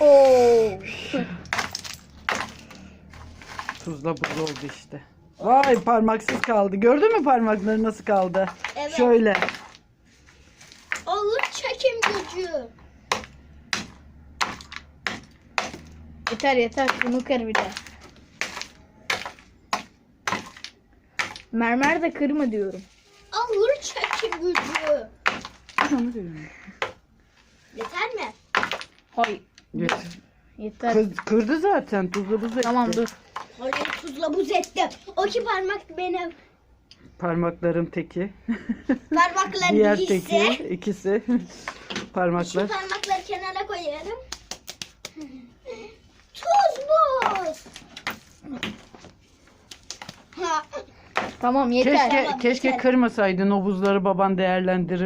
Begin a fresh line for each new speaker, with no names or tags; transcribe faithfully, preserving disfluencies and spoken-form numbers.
Oo.
Tuzla buz oldu işte. Vay, parmaksız kaldı. Gördün mü parmakları nasıl kaldı?
Evet.
Şöyle.
Olur çekim gücü.
Yeter yeter. Bunu kır bir de. Mermer de kırma diyorum.
Olur çekim gücü.
Onu diyorum.
Yeter mi?
Hayır.
Getir.
Yeter.
Kız, kırdı zaten. Tuzla buz etti.
Tamam dur.
Hayır, tuzla buz ettim. O ki parmak benim.
Parmakların teki.
Parmakların
Diğer
ikisi.
teki. ikisi.
Şu
Parmaklar.
parmakları kenara koyuyorum. Tuz buz. Ha.
Tamam yeter.
Keşke,
Tamam,
keşke
yeter.
kırmasaydın, o buzları baban değerlendirir.